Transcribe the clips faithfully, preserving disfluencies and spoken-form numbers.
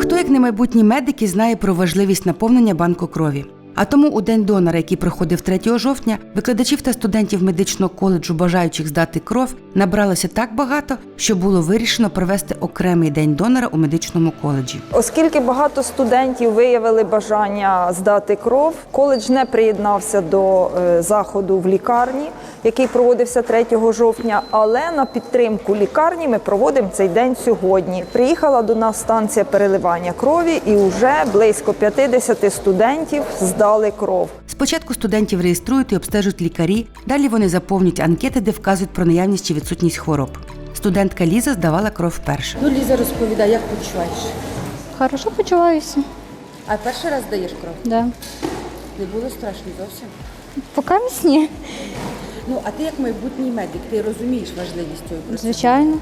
Хто, як не майбутні медики, знає про важливість наповнення банку крові. А тому у День донора, який проходив третього жовтня, викладачів та студентів медичного коледжу, бажаючих здати кров, набралося так багато, що було вирішено провести окремий День донора у медичному коледжі. Оскільки багато студентів виявили бажання здати кров, коледж не приєднався до заходу в лікарні, який проводився третього жовтня, але на підтримку лікарні ми проводимо цей день сьогодні. Приїхала до нас станція переливання крові і вже близько п'ятдесят студентів здали кров. Спочатку студентів реєструють і обстежують лікарі, далі вони заповнюють анкети, де вказують про наявність чи відсутність хвороб. Студентка Ліза здавала кров вперше. Ну, Ліза, розповідай, як почуваєш? Хорошо почуваюся. А перший раз даєш кров? Да. Не було страшно зовсім? Поки місні. Ну, а ти як майбутній медик, ти розумієш важливість цього процесу? Звичайно.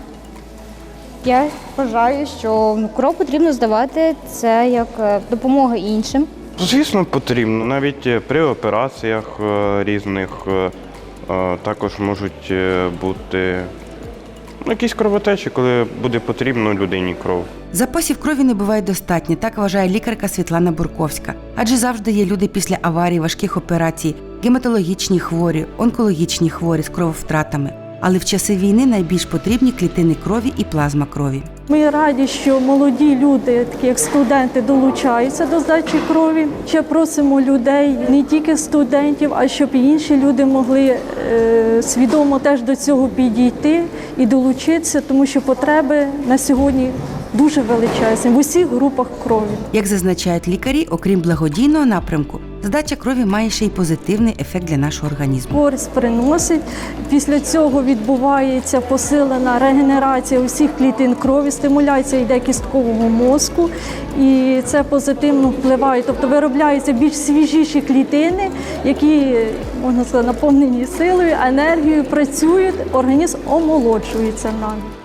Я вважаю, що ну, кров потрібно здавати, це як е, допомога іншим. Звісно, потрібно. Навіть при операціях е, різних е, е, також можуть е, бути ну, якісь кровотечі, коли буде потрібно людині кров. Запасів крові не буває достатньо, так вважає лікарка Світлана Бурковська. Адже завжди є люди після аварій, важких операцій, гематологічні хворі, онкологічні хворі з крововтратами. Але в часи війни найбільш потрібні клітини крові і плазма крові. Ми раді, що молоді люди, такі як студенти, долучаються до здачі крові. Ще просимо людей, не тільки студентів, а щоб і інші люди могли е, свідомо теж до цього підійти і долучитися, тому що потреби на сьогодні дуже величезні в усіх групах крові. Як зазначають лікарі, окрім благодійного напрямку, здача крові має ще й позитивний ефект для нашого організму. Користь приносить. Після цього відбувається посилена регенерація усіх клітин крові, стимуляція йде кісткового мозку, і це позитивно впливає. Тобто виробляються більш свіжіші клітини, які, можна сказати, наповнені силою, енергією, працюють, організм омолоджується навіть.